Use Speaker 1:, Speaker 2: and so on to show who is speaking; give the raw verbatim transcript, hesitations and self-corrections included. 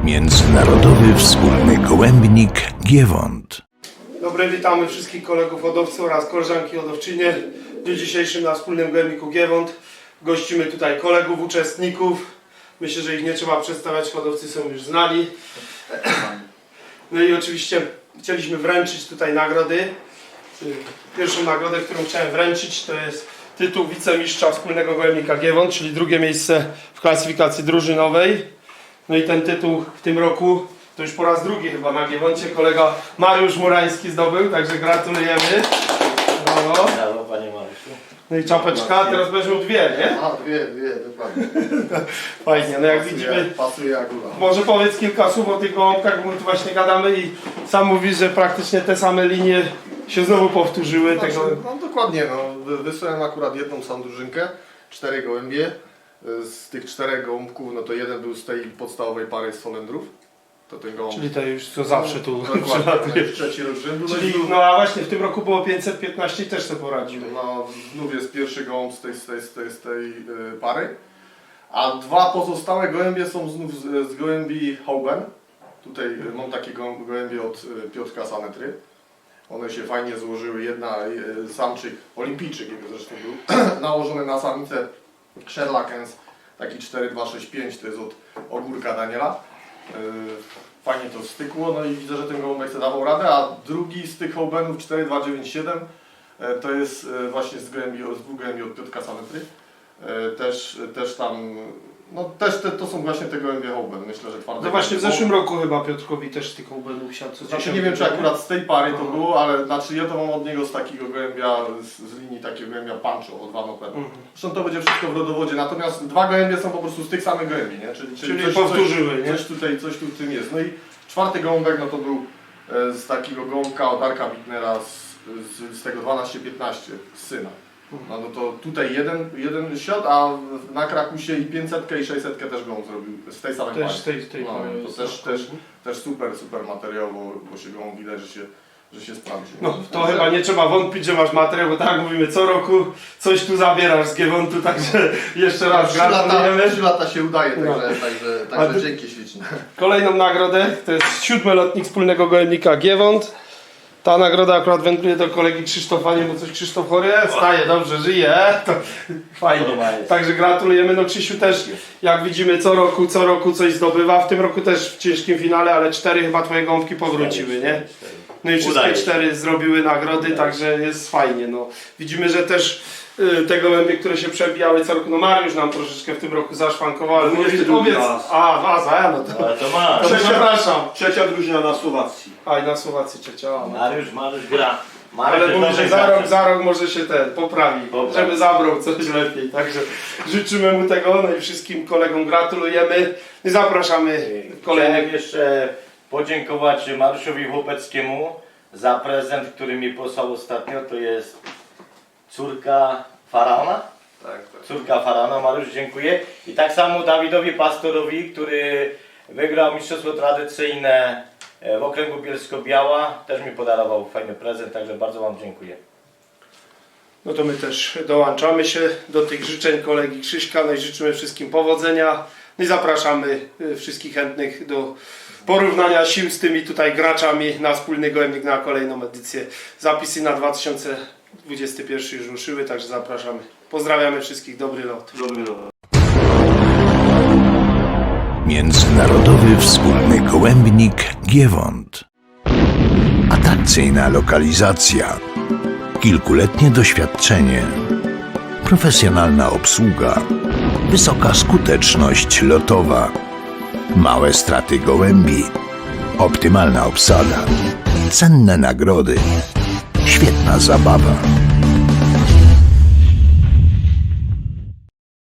Speaker 1: Międzynarodowy Wspólny Gołębnik Giewont.
Speaker 2: Dobry, witamy wszystkich kolegów hodowców oraz koleżanki hodowczynie. W dniu dzisiejszym na Wspólnym Gołębniku Giewont gościmy tutaj kolegów, uczestników. Myślę, że ich nie trzeba przedstawiać, hodowcy są już znani. No i oczywiście chcieliśmy wręczyć tutaj nagrody. Pierwszą nagrodę, którą chciałem wręczyć, to jest tytuł wicemistrza Wspólnego Gołębnika Giewont, czyli drugie miejsce w klasyfikacji drużynowej. No i ten tytuł w tym roku to już po raz drugi chyba na Giewoncie kolega Mariusz Murański zdobył, także gratulujemy. Brawo.
Speaker 3: Brawo, panie Mariuszu.
Speaker 2: No i czapeczka, teraz będziesz miał dwie, nie?
Speaker 4: A, dwie, dwie, dokładnie.
Speaker 2: Fajnie, no jak
Speaker 4: Pasuje-
Speaker 2: widzimy.
Speaker 4: Pasuje jak góra.
Speaker 2: Może powiedz kilka słów o tych gołąbkach, bo my tu właśnie gadamy i sam mówisz, że praktycznie te same linie się znowu powtórzyły.
Speaker 4: Znaczy,
Speaker 2: Tego...
Speaker 4: no dokładnie, no. Wy- Wysłałem akurat jedną sam drużynkę, cztery gołębie. Z tych czterech gołąbków, no to jeden był z tej podstawowej pary z Solendrów. To ten gołąb...
Speaker 2: Czyli to już co zawsze tu
Speaker 4: Dokładnie,
Speaker 2: przylatuje.
Speaker 4: już trzeci rok rzędu. No
Speaker 2: Czyli,
Speaker 4: i znów-
Speaker 2: no a właśnie w tym roku było pięćset piętnaście i też sobie poradziły.
Speaker 4: No, znów jest pierwszy gołąb z tej, z tej, z tej, z tej y, pary. A dwa pozostałe gołębie są znów z, z gołębi Hauben. Tutaj y, mam takie gołę- gołębie od y, Piotrka Sanetry. One się fajnie złożyły. Jedna y, samczyk, olimpijczyk jego zresztą był, nałożony na samicę Sherlockens. Taki cztery dwa sześć pięć, to jest od Ogórka Daniela. Y, Fajnie to stykło, no i widzę, że ten gołąbek sobie dawał radę, a drugi z tych Haubenów cztery dwa dziewięć siedem to jest właśnie z gołębi, z dwóch gołębi od Piotrka Sanetry. Też, też tam, no też te, to są właśnie te gołębie Hauben, myślę, że twarde.
Speaker 2: No właśnie w zeszłym roku chyba Piotrkowi też tych obenów siadł. co
Speaker 4: Znaczy
Speaker 2: dziesiąty,
Speaker 4: nie wiem, czy akurat z tej pary to
Speaker 2: Aha.
Speaker 4: było, ale znaczy ja to mam od niego z takiego gołębia, z, z linii takiego gołębia Pancho od Van Open.
Speaker 2: Mhm.
Speaker 4: Zresztą to będzie wszystko w rodowodzie, natomiast dwa gołębie są po prostu z tych samych gołębi, nie? Czyli,
Speaker 2: Czyli
Speaker 4: coś,
Speaker 2: powtórzyły,
Speaker 4: coś,
Speaker 2: nie?
Speaker 4: coś tutaj, coś tu w tym jest. No i czwarty gołąbek, no to był e, z takiego gołąbka od Arka Wittnera z, z, z tego dwanaście piętnaście, z syna. No, no to tutaj jeden, jeden siot, a w- na Krakusie i pięćset i sześćset też gołąb zrobił z tej samej
Speaker 2: Też
Speaker 4: pary.
Speaker 2: z tej, z tej
Speaker 4: No,
Speaker 2: pary
Speaker 4: to
Speaker 2: jest
Speaker 4: też,
Speaker 2: tak.
Speaker 4: też, też super, super materiał, bo, bo się gołąb widać, że się, że się sprawdzi.
Speaker 2: No to chyba nie trzeba wątpić, że masz materiał, bo tak jak mówimy, co roku coś tu zabierasz z Giewontu, także jeszcze raz
Speaker 4: Trzy lata,
Speaker 2: gratulujemy.
Speaker 4: trzy lata się udaje, także,
Speaker 2: No.
Speaker 4: także,
Speaker 2: A
Speaker 4: także
Speaker 2: ty-
Speaker 4: dzięki śliczne.
Speaker 2: Kolejną nagrodę to jest siódmy lotnik Wspólnego Gołębnika Giewont. Ta nagroda akurat wędruje do kolegi Krzysztofa, nie bo coś Krzysztof chory jest, staje, dobrze, żyje, to fajnie.
Speaker 3: Podoba jest.
Speaker 2: Także gratulujemy, no Krzysiu też jak widzimy co roku, co roku coś zdobywa, w tym roku też w ciężkim finale, ale cztery chyba twoje gąbki powróciły, nie? No i wszystkie
Speaker 3: Udaje się.
Speaker 2: cztery zrobiły nagrody,
Speaker 3: Udaje
Speaker 2: także jest fajnie. No. Widzimy, że też y, te gołębie, które się przebijały co roku, no Mariusz nam troszeczkę w tym roku zaszwankował, ale
Speaker 5: No,
Speaker 2: mówię,
Speaker 5: drugi
Speaker 2: powiedz,
Speaker 5: raz.
Speaker 2: a waza, no to,
Speaker 3: Ale to ma.
Speaker 2: to przepraszam.
Speaker 5: Trzecia drużyna na Słowacji.
Speaker 2: A i na Słowacji trzecia, a, no.
Speaker 3: Mariusz, Mariusz gra. Mariusz
Speaker 2: Ale
Speaker 3: jest
Speaker 2: mówi, że
Speaker 3: dobry
Speaker 2: za rok,
Speaker 3: graczem.
Speaker 2: za rok może się ten poprawi,
Speaker 3: Poprawi.
Speaker 2: żeby zabrał coś lepiej, także życzymy mu tego, no i wszystkim kolegom gratulujemy i zapraszamy
Speaker 3: Chciałem
Speaker 2: kolejnych.
Speaker 3: jeszcze podziękować Mariuszowi Chłopeckiemu za prezent, który mi posłał ostatnio. To jest córka Faraona.
Speaker 4: Tak, tak.
Speaker 3: Córka Faraona, Mariusz, dziękuję. I tak samo Dawidowi Pastorowi, który wygrał mistrzostwo tradycyjne w okręgu Bielsko-Biała. Też mi podarował fajny prezent, także bardzo wam dziękuję.
Speaker 2: No to my też dołączamy się do tych życzeń kolegi Krzyśka, no i życzymy wszystkim powodzenia. No i zapraszamy y, wszystkich chętnych do porównania sił z tymi tutaj graczami na Wspólny Gołębnik na kolejną edycję. Zapisy na dwa tysiące dwudziesty pierwszy już ruszyły, także zapraszamy. Pozdrawiamy wszystkich, dobry lot.
Speaker 5: Dobry rok.
Speaker 1: Międzynarodowy Wspólny Gołębnik Giewont. Atrakcyjna lokalizacja. Kilkuletnie doświadczenie. Profesjonalna obsługa. Wysoka skuteczność lotowa. Małe straty gołębi. Optymalna obsada. Cenne nagrody. Świetna zabawa.